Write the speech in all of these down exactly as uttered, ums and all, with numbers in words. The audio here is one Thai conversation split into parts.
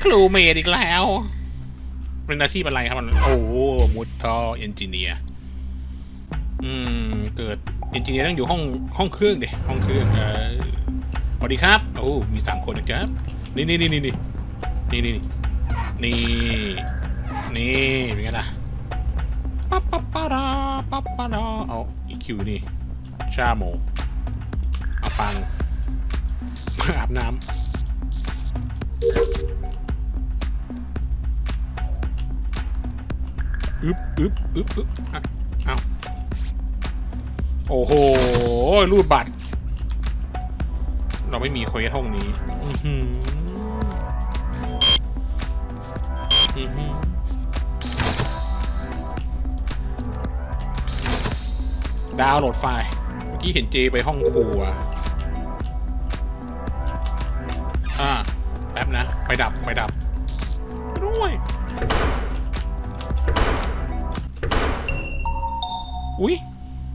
ครูเมดอีกแล้วเป็นอาชีพอะไรครับมันโอ้มุดท่อเอนจิเนียร์อืมเกิดเอนจิเนียร์ต้องอยู่ห้องห้องเครื่องดิห้องเครื่องเออสวัสดีครับโอ้มีสามคนนะครับนี่นี่นี่นี่นี่นี่นี่นี่นี่เป็นไงล่ะปั๊บปั๊บปะดาปั๊บปะดาเอาอีคิวนี่ชาโมเอาปังมาอาบน้ำอึบอึบอึบอึบอ่ะเอาโอ้โหรูดบัตรเราไม่มีเควสห้องนี้ดาวน์โหลดไฟล์เมื่อกี้เห็นเจไปห้องครัวอ่าแป๊บนะไฟดับไฟดับด้วยอุ้ย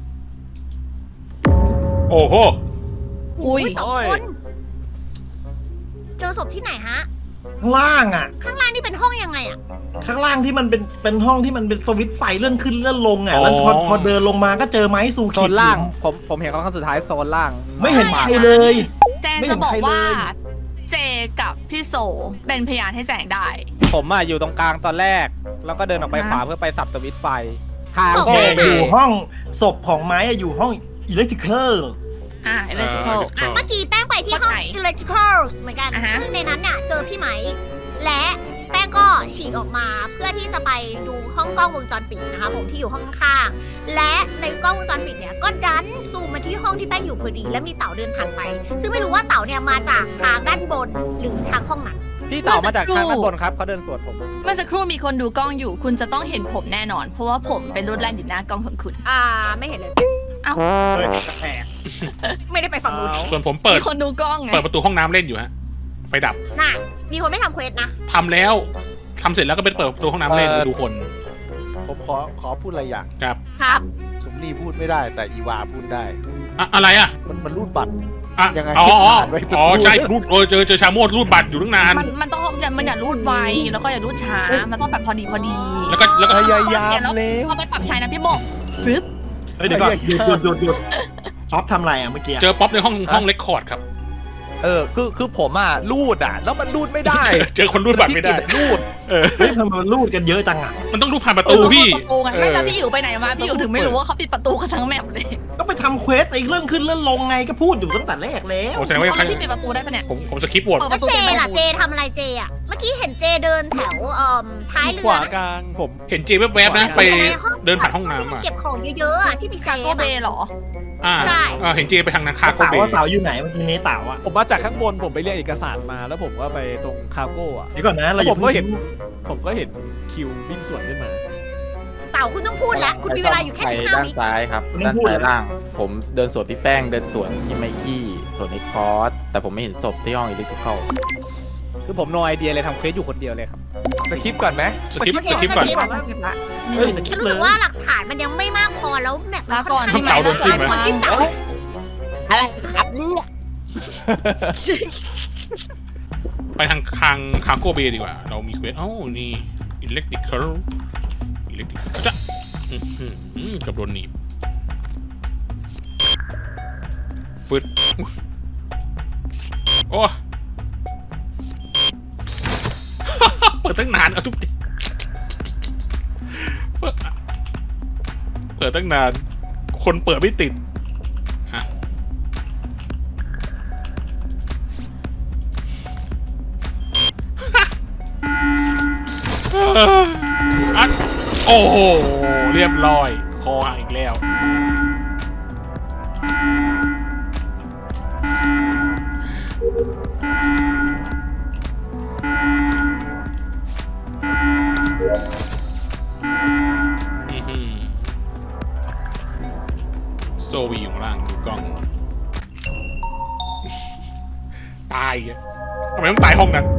โอ้โหอุ้ยสองคนเจอศพที่ไหนฮะข้างล่างอ่ะข้างล่างนี่เป็นห้องยังไงอ่ะข้างล่างที่มันเป็นเป็นห้องที่มันเป็นสวิตช์ไฟเลื่อนขึ้นเลื่อนลงอ่ะแล้วพอพอเดินลงมาก็เจอไม้สูโซนล่างผมผมเห็นเขาครั้งสุดท้ายโซนล่างไม่เห็นใครเลยแจงจะบอกว่าเจกับพี่โซเป็นพยานให้แจงได้ผมอ่ะอยู่ตรงกลางตอนแรก แล้วก็เดินออกไปขวาเพื่อไปสับสวิตช์ไฟทางโอโก้เคเบอยู่ห้องศพของไม้อะอยู่ห้องอิเล็กทริคอลอ่าเอเลจิโคอ่ะเมื่อกี้แป้งไปที่ห้อง electrical เหมือนกันอ่าฮะซึ่งในนั้นเนี่ยเจอพี่ไหม และแป้งก็ฉีกออกมาเพื่อที่จะไปดูห้องกล้องวงจรปิดนะคะผมที่อยู่ห้องข้างๆและในกล้องวงจรปิดเนี่ยก็ดันซูมมาที่ห้องที่แป้งอยู่พอดีและมีเต่าเดินผ่านไป ซึ่งไม่รู้ว่าเต่าเนี่ยมาจากทางด้านบนหรือทางห้องไหนพี่เต่ามาจากทางด้านบนครับเขาเดินสวนผมเมื่อสักครู่มีคนดูกล้องอยู่ คุณจะต้องเห็นผมแน่นอน เพราะว่าผมเป็นรูดแลนอยู่หน้ากล้องของคุณอ่าไม่เห็นเลยเอ้าเฮ้ยแปลกไม่ได้ไปฝั่งนู้นส่วนผมเปิดมีคนดูกล้องไงเปิดประตูห้องน้ำเล่นอยู่ฮะไฟดับน่ะมีคนไม่ทำเควสนะทำแล้วทำเสร็จแล้วก็ไปเปิดประตูห้องน้ำเล่นดูคนผมขอขอพูดอะไรอย่างครับครับสมนี่พูดไม่ได้แต่อีวาพูดได้อะอะไรอ่ะมันมันรูดบัตรอ่ะยังไงอ๋ออ๋ออ่านไว้อ๋อใช่รูดเออเจอเจอชาโมดรูดบัตรอยู่ตั้งนานมันมันต้องอย่ามันอย่ารูดไวแล้วก็อย่ารูดช้า มันต้องแบบพอดีพอดีแล้วก็แล้วก็พยายามแล้วพอไปปรับใช้นะพี่โบฟึบเฮ้ยเดี๋ยวก่อนหยุดหยุดหยุดหยุดท็อปทำอะไรอ่ะเมื่อกี้เจอป๊อปในห้องห้องเรคคอร์ดครับเออคือคือผมอ่ะรูดอ่ะแล้วมันรูดไม่ได้เจอคนรูดบัตรไม่ได้พี่กิตรูดเออเฮ้ยทำไมมันรูดกันเยอะจังอ่ะมันต้องรูดผ่านประตูพี่ประตูกันไม่แล้วพี่อยู่ไปไหนมาพี่อยู่ถึงไม่รู้ว่าเขาปิดประตูกันทั้งแมปเลยก็ไปทำเควสไอ้เรื่องขึ้นเรื่องลงไงก็พูดอยู่ตั้งแต่แรกแล้วโอ้แสดงว่าเอาแล้วพี่ปิดประตูได้ปะเนี่ยผมผมสคิปบทเปิดปแล้วระตูเจเป็นล่ะประเจตูทำอะไรเจอ่ะ เมื่อกี้เห็นเจเดินแถวเอ่อท้ายเรืขอวากลางผมเห็นเจแวบๆนะไปเดินผ่านห้องน้ำที่มัอ่ะเก็บของเยอะๆอ่ะที่มีเซคาฟโกเบอ่ะเหรออ่าใช่อ่าเห็นเจไปทางนาคาโกเต่าเบว่าเต่าอยู่ไหนเมื่อกี้นี้เต่าอ่ะผมมาจากข้างบนผมไปเรียกเอกสารมาแล้วผมก็ไปตรงคาร์โก้อะเดี๋ยวก่อนนะเราแล้วอผย่ามก็เพิ่งเห็น ผมก็เห็นคิววิ่งสวนขึ้นมาเต่าคุณต้องพูดแล้ว คุณมีเวลาอยู่แค่ไปสิบห้าด้านวิซ้ายครับด้านซ้ายล่าง ผมเดินสวนพี่แป้งเดินสวนพี่ไมกี้สวนไอ้คอสแต่ผมไม่เห็นศพที่ห้องอิเล็กทริคอลคือผมโนไอเดียเลยทำเควสอยู่คนเดียวเลยครับสคริปต์ก่อนไหมสคิปสคิปก่อนเฮ้ยสกิปรู้เลสึยกว่าหลักฐานมันยังไม่มากพอแล้วแมปลาก่อนเต่าโดนจิ้มไหมจิ้มเต่าอะไรครับเนี่ยไปทางทางคาโกเบดีกว่า เรามีเควสเอ้านี่อิเล็กทริคอลอิเล็กทริคอลจ้ะอื้อหืออืมกับโดนหนีบฟึดโอ้ เปิดตั้งนานเอาทุกทีเปิดเปิดตั้งนาน คนเปิดไม่ติดฮะอ่ะโอ้โห เรียบร้อย คอหักอีกแล้วอื้อหือโซวีอยู่ข้างล่างดูกล้อง ตายอ่ะทำไมต้องตายห้องนั้น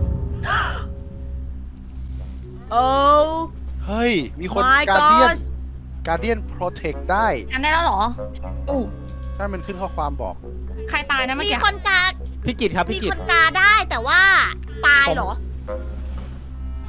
โอ้เฮ้ย มีคน my การเดียน god การเดียนโปรเทคได้กันได้แล้วเหรออู้ถ้ามันขึ้นข้อความบอกใครตายนะเมื่อมีกี้คนกาพี่กิตครับมีพี่กิคตนกาได้แต่ว่าตายเหรอ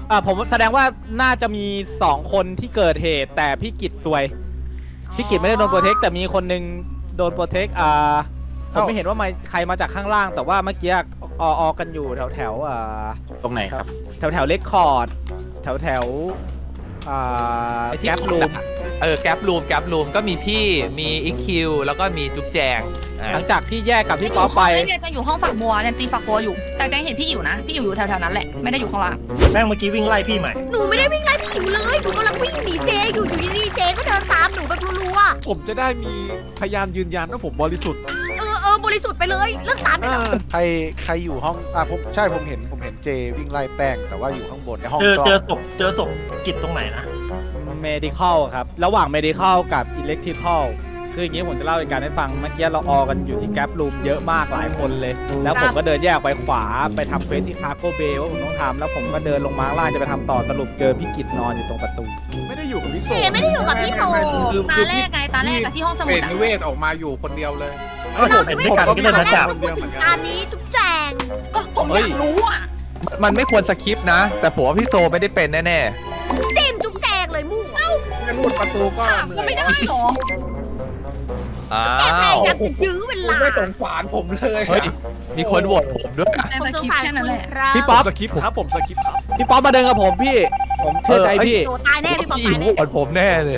อ่าผมแสดงว่าน่าจะมีสองคนที่เกิดเหตุ แต่พี่กิจซวยพี่กิจไม่ได้โดนโปรเทคแต่มีคนนึงโดนโปรเทคอ่าผมไม่เห็นว่ามาใครมาจากข้างล่าง แต่ว่าเมื่อกี้อออกันอยู่แถวแถวอ่าตรงไหนครับแถวแถวเลคคอร์ดแถวแถวอ่าแก๊ปรูมเออแก๊ปรูมแก๊ปรูมก็มีพี่มีอีคิวแล้วก็มีจุ๊บแจงอ่าหลังจากที่แยกกับพี่ป๊อปไปเนี่ยจะอยู่ห้องฝักบัวเนี่ยตีฝักบัวอยู่ แต่แจงเห็นพี่อยู่นะ พี่อยู่อยู่แถวๆนั้นแหละ ไม่ได้อยู่ข้างล่างแป้งเมื่อกี้วิ่งไล่พี่ใหม่หนูไม่ได้วิ่งไล่พี่อิ๋วเลยหนูกำลังวิ่งหนีเจอยู่อยู่ดีๆเจก็เดินตามหนูแบบรัวผมจะได้มีพยานยืนยันว่าผมบริสุทธิ์ๆเออเออบริสุทธิ์ไปเลยเลิกตามไปเอแล้วอใครใครอยู่ห้องอ่ะผมใช่ผมเห็นผมเห็นเจวิ่งไล่แป้งแต่ว่าอยู่ข้างบนในห้องเจอกล้องเจอศพเจอศพกิจตรงไหนนะ medical ครับ ระหว่าง medical กับ electrical คืออย่างนี้ผมจะเล่าเหตุการณ์ให้ฟัง เมื่อกี้เราออกันอยู่ที่แก๊ปรูมเยอะมากหลายคนเลย แล้วผมก็เดินแยกไปขวาไปทำเควสที่คาร์โกเบย์ว่าผมต้องทำแล้วผมก็เดินลงมาข้างล่างจะไปทำต่อสรุปเจอพี่กิจนอนอยู่ตรงประตูไม่ได้อยู่กับพี่โซเจไม่ได้อยู่กับพี่โซตาแรกไงตาแรกกับที่ห้องสมุเป็ดนอะนิเวศออกมาอยู่คนเดียวเลยก็ผมเป็นด้วยกันก็เลยนะจับพูดถึงการนี้จุ๊บแจงก็ผมอยากรู้อ่ะมันไม่ควรสคริปต์นะ แต่ผมว่าพี่โซไม่ได้เป็นแน่จิ้มจุ๊บแจงเลยมู่เอ้าๆไม่รูดประตูก็ถามก็ไม่ได้หรออ้าแกพวยายามจะยื้อเวลาไม่สงสารผมเลยเฮ้ยมีคนโหวตผมด้วยแต่ผมสสงคริปสารต์แค่คุนั้นณแหละครับพี่ป๊อปสคริปต์ครับผมสคริปต์ครับพี่ป๊อปมาเดินกับผมพี่ ผมเชื่อใจพี่โดนตายแน่พี่ป๊อปพี่ตายโหแน่วตผมแน่เลย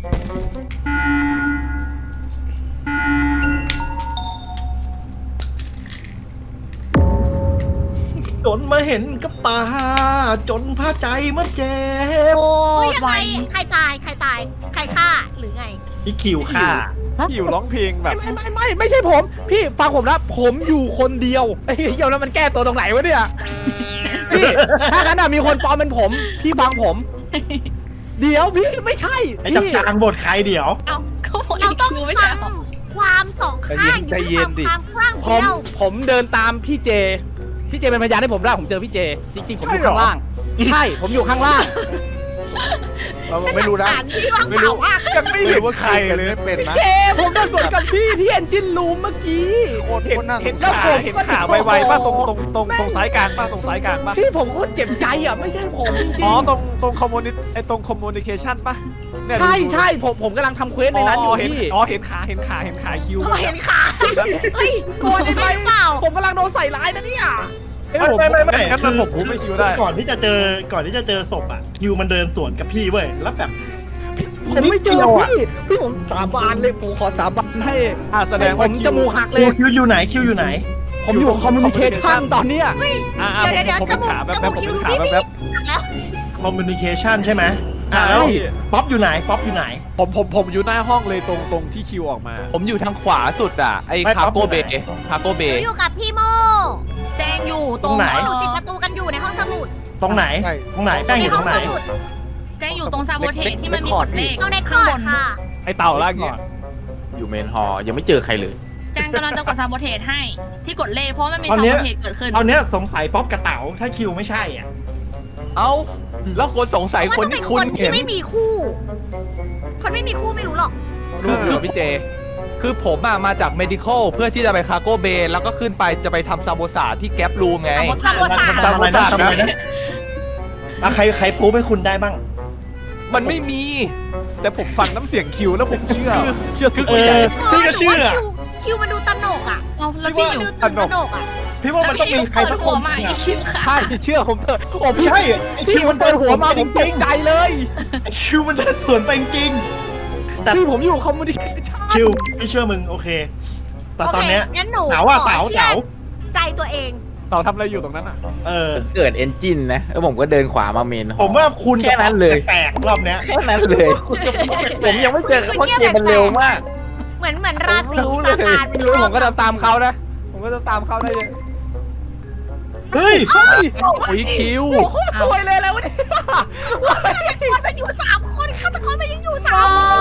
จนมาเห็นกับตา จนพาใจมันเจ็บโอ้เฮ้ยยยังไวไงใครตายใครตายใครฆ่าหรือไงพี่คิวค่ะพี่อยู่ร้องเพลงแบบไม่ไม่ไม่ไม่ใช่ผม พี่ฟังผมนะผมอยู่คนเดียวไอ้เหี้ยแล้วมันแก้ตัวตรงไหนวะเนี่ยพี่ถ้างั้นอะมีคนปลอมเป็นผม พี่ฟังผม เดี๋ยวพี่ไม่ใช่ไอ้จับพี่จางบทใครเดี๋ยวเอ้าก็บอกเราอีกต้องคิวไม่ฟัใช่งหรอความสองข้างอยู่ที่ความคลั่งผเดีมยวผมเดินตามพี่เจ พี่เจเป็นพยานให้ผมได้ผมเจอพี่เจ จริงๆ ผมอยู่ข้างล่าง ใช่ ผมอยู่ข้างล่างเราไม่รู้นะอ่านที่ว่างไม่เปรู้ล่าว่ายังไม่เห็นว่าใครเลยไม่เป็นนะเจ ผมเดินสวนกับพี่ที่เอนจินรูมเมื่อกี้โคตรเห็นโคตรน่าสเห็นงขาสารเห็นขาไวๆป่ะตรงตรงตรงตรงสายกลางป่ะตรงสายกลางป่ะพี่ผมโคตรเจ็บใจอ่ะ ไม่ใช่ผมจริงอ๋อตรงตรงคอมมูนิไอตรงคอมมูนิเคชันป่ะเนี่ยๆใช่ใช่ผมผมกำลังทำเควสในนั้นอยู่เห็นพี่อ๋อเห็นขาเห็นขาเห็นขาคิวเห็นขาเฮ้ยโกรธได้ไหมเปล่าผมกำลังโดนใส่ร้ายนะเนี่ยไม่ไม่ไม่ไม่งั้นมันผมผมไม่คิวได้ก่อนที่จะเจอก่อนที่จะเจอศพอ่ะคิวมันเดินสวนกับพี่เว้ยแล้วแบบผมไม่เจอพี่ พี่ผมสาบานเลยผมขอสาบานให้อ่าแสดงผว่าม คิจวมูกหักเลคิยวคิวอยู่ไหนคิวอยู่ไหนผมอยู่คอมมูนิเคชันตอนเนี้ยอ่าเดี๋ยวเดี๋ยวผมจเป็นมูกขาแบบจแบมูบกผมคิวเป็นขาพี่แบบพี่แบบแล้วคอมมูนิเคชันใช่ไหมอ่าแล้วป๊อปอยู่ไหนป๊อปอยู่ไหนผมผมผมอยู่หน้าห้องเลยตรงตรงที่คิวออกมาผมอยู่ทางขวาสุดอ่ะไอ้ไม่คาปั๊บโกเบอยู่ไหนคาโกเบอยู่กับพี่โมแจงอยู่ตตรรง งไหนเอ่อยู่อติดประตูกันอยู่ในห้องสมุดตรงไหนใช่ตรงไหนแป้งอยู่ตรงไหนในห้องสมุดแจงอยู่ตรงซาโบเทสที่มันมีกดเลขเอาในคข้าองบร์ดนค่ะไอเต่าล่างเนี่ยอยู่เมนฮอลล์ยังไม่เจอใครเลยแจงกำลังจะกดซาโบเทสให้ที่กดเลขเพราะว่ามันมีตอนซาเนี้โบยเทสเกิดขึ้นตอนเนี้ยสงสัยป๊อปกับเต๋าถ้าคิวไม่ใช่อ่ะเอ้าแล้วคนสงสัยว่าคนต้องเป็ที่นคคุณนที่เห็นไม่มีคู่ คนไม่มีคู่ไม่รู้หรอกคือคือพี่เจ คือผมอะมาจาก medical เพื่อที่จะไปคาโกเบแล้วก็ขึ้นไปจะไปทำซาโบซาที่แก๊ปรูมไงซาโบซาซาโบซาซาโบซาทำอะไรนะอ่ะใครใครปูให้คุณได้บ้างมันไม่มีแต่ผมฟังน้ำเสียงคิวแล้วผมเชื่อ เชื่อสุดเอใจอพี่ก็เชื่อคิวคิวมันดูตนกอ่ะเอาแล้วพี่อยู่ดูตื่นตนกอ่ะพี่ว่ามันต้องมีใครสักคนแล้วพี่เปิดหัวมาอีเนี่ยกคิวค่ะใช่เชื่อผมเถอะโอ้ไม่พี่ใช่ไอ้คิพี่วมัมัน นเปิเดิดนหัวมาผมตกใจเลยไอ้คิวมันเดินสวนไปจริงๆแต่พี่ผมอยู่คอมมูนิเคชันคิวพี่เชื่อมึงโอเค แต่ตอนเนี้ยโคงั้นหนูเต๋าอ่ะขเต๋าชื่อเต๋าใจตัวเองเต่าทำอะไรอยู่ตรงนั้นอ่ะเออเกิดเอนจินนะ แล้วผมก็เดินขวามาเมนฮอลล์ผมว่าคุณแค่นั้นเลยแปลกๆรอบเนี้ยแค่นั้นเลย ผมยังไม่เจอเพราะเกมมันเร็วมากเหมือนเหมือนราศีรู้เลยซาตานไม่รู้ผมก็จะตามเขานะ ผมก็จะตามเขาได้เลยเฮ้ยโอ้ยคิวโอ้โหสวยเลยแล้ววันนี้ฆาตกรมันอยู่สามคนฆาตกรมันยังอยู่สามคน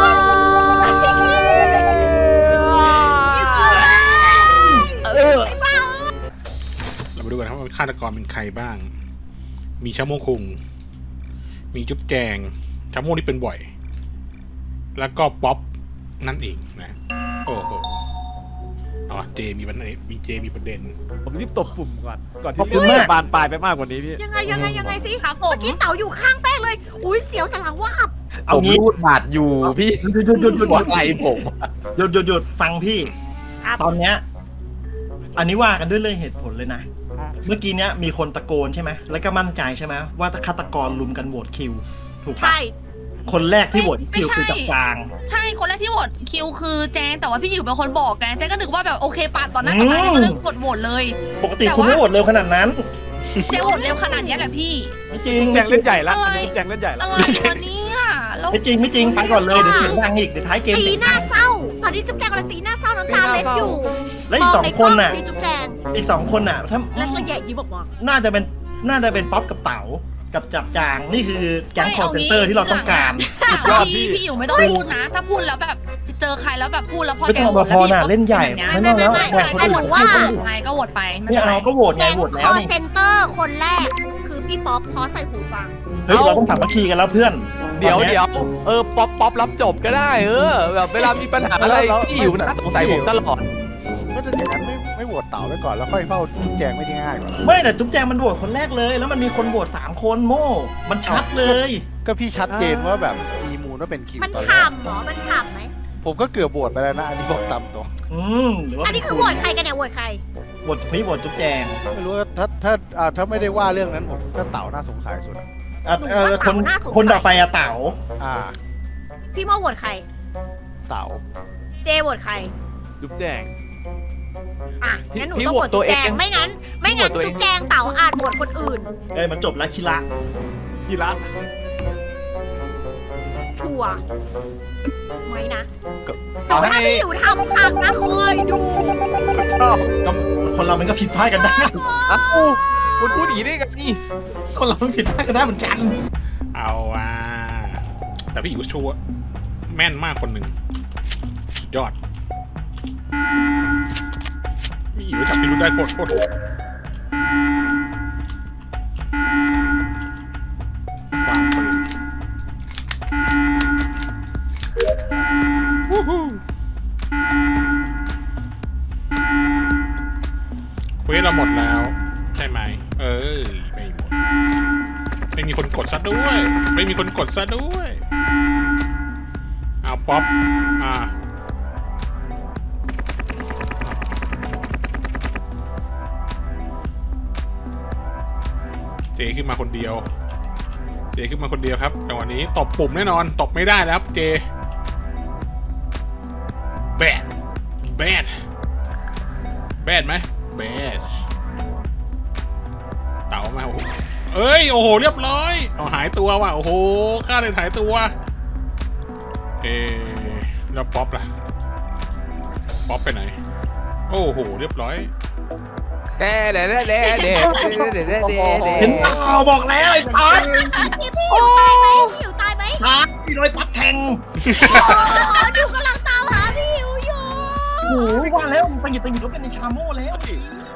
เออเรามาดูกันครับว่าฆาตกรเป็นใครบ้าง มีชาโมงคุง มีจุ๊บแจงชาโมงนี่เป็นบ่อย แล้วก็ป๊อปนั่นเองนะ โอ้โห เอาอเจมีปัญหามีเจมีประเด็นผมรีบตบปุ่มก่อน ก่อนขอบที่คุเรื่ณองมากจะบานปลายไปมากกว่านี้พี่ยังไงยังไงยังไงสิครับผมเมื่อกี้เต๋าอยู่ข้างแป้งเลย อุ้ยเสียวสันหลังวาบเอาผมงี้รูดบาดอยู่พี่หยุดหยุดหยุดหยุดหยุดหัวไหล่ผมหยุดหยุดหยุดฟังพี่ครับตอนเนี้ยอันนี้ว่ากันด้วยเรื่องเหตุผลเลยนะ เมื่อกี้เนี้ยมีคนตะโกนใช่ไหมแล้วก็มั่นใจใช่ไหมว่าฆาตกรลุมกันโหวตคิว ถูกปะใช่คนแรกที่โหวตคิวไม่ใช่คือจับกลางใช่คนแรกที่โหวตคิวคือแจงแต่ว่าพี่อยู่เป็นคนบอกแกแจงก็นึกว่าแบบโอเคปาดต่อหน้าต่อตาอืมก็เลยกดโหวตเลยปกติแต่คุณว่าไม่โหวตเร็วขนาดนั้นแจงโหวตเร็วขนาดเนี้ยแหละพี่ไม่จริงแจงเล่นใหญ่ละอะไรอันนี้แจงเล่นใหญ่ละอะไรวะเนี่ยแล้วไม่จริงไม่จริงไปก่อนเลยเดี๋ยวเสียงดังอีกเดี๋ยวท้ายเกมตีเสียงหดัน้าง เศร้า ตอนนี้จุ๊บแจงกำลังตีหน้าเศร้าน้ำตาเล็ดอยู่และอีกสองคนน่ะมใกล้องสิจุ๊บแจงอีกสองคนน่ะถ้าแล้วก็แย่ยิ้มออกมาน่าจะเป็นน่าจะเป็นป๊อปกับเต๋ากับจับจางนี่คือแก๊งคอร์เซนเตอร์ที่เราต้องการสุดยอดพี่พี่อยู่ไม่ต้องพูดนะ ถ้าพูดแล้วแบบเจอใครแล้วแบบพูดแล้วพอไม่แกต้องโหวมาตพอแล้วน่ะพี่เล่นใหญ่แบบเนี้ยไม่ต้องแล้วไม่แบ่งคนแต่อื่หนนูว่าไงก็โหวตไปไม่ไม่เป็นไรเอาก็โหวตไงแก๊งโหวตคแล้วอนี่เซนเตอร์คนแรก คือพี่ป๊อปเพราะใส่หูฟังเฮ้ยเราต้องสามัคคีกันแล้วเพื่อนเดี๋ยวตอนนี้เดี๋ยวเออป๊อปป๊อปรับจบก็ได้ เออ แบบเวลามีปัญหาอะไรแล้วพี่อยู่น่าสงสัยผมตลอดก็จะอย่างนั้นไม่ไม่โหวตเต่าไว้ก่อนแล้วค่อยเฝ้าจุ๊บแจงไม่ได้ง่ายกว่าไม่แต่จุ๊บแจงมันโหวตคนแรกเลย แล้วมันมีคนโหวตสามคนโม่มันชัดเลยก็พี่ชัดเจนว่าแบบมีมูลว่าเป็นคิวมันตอนแรกฉ่ำเหรอ มันฉ่ำไหมผมก็เกือบโหวตไปแล้วนะอันนี้บอกตามตรงอืมหรือว่าอันนี้คือโหวตใครกันเนี่ยโหวตใครโหวตพี่โหวตจุ๊บแจงไม่รู้ว่าถ้าถ้าอ่าถ้าไม่ได้ว่าเรื่องนั้นผมก็เต่าน่าสงสัยสุดอะอ่ะเออคนคนต่อไปอะเต๋าอ่าพี่โมโหวตใครเต่าเจโหวตใครจุ๊บแจงอ่ะ งั้นหนูพี่ต้องโหวตโหวตตัจุ๊วบแจงเองไม่งั้น ไม่งั้นพี่โหวตตัวเองจุ๊บแจงเต่าอาจโหวตคนอื่นเอ้ยมันจบแล้วคิระกีฬาชัวร์ไม่นะก็แต่ว่าถ้าพี่อยู่ทำพังนะคอยดูชอบก็คนเรามันก็ผิดพลาดกันได้เอ้าคุณพูดอย่างนี้ได้ไงนี่คนเรามันผิดพลาดกันได้เหมือนกันเอาว่า แต่พี่อิ๋วชัวร์แม่นมากคนหนึ่งสุดยอดพี่อิ๋วจับพี่รู้ได้โคตรโคตรโหดวางปืนวู้ฮู้เควสเราหมดแล้ว ใช่ไหม เอ้ยไม่หมด ไม่มีคนกดซะด้วย ไม่มีคนกดซะด้วยเอาป๊อปอ่าเจขึ้นมาคนเดียว เจขึ้นมาคนเดียวครับจังหวะนี้ตบปุ่มแน่นอน ตบไม่ได้แล้วครับเจแบดแบดแบดไหมแบดเต่ามาโอ้โหเอ้ยโอ้โหเรียบร้อยเอาหายตัวว่ะโอ้โหฆ่าเลยหายตัวเออแล้วป๊อปล่ะป๊อปไปไหนโอ้โหเรียบร้อยเด้เด้เด้เด้เด้เด้เด้เด้เด้เห็นเปล่าบอกแล้วไอ้ป๊อปพี่พี่อยู่ตายไหมพี่อยู่ตายไหมป๊อปพี่โดยป๊อปแทงโอ้ดูกำลังตามหาพี่อยู่อยู่โอ้ยว่าแล้วไปหยิบไปหยิบรถเป็นในชาโม่แล้วพ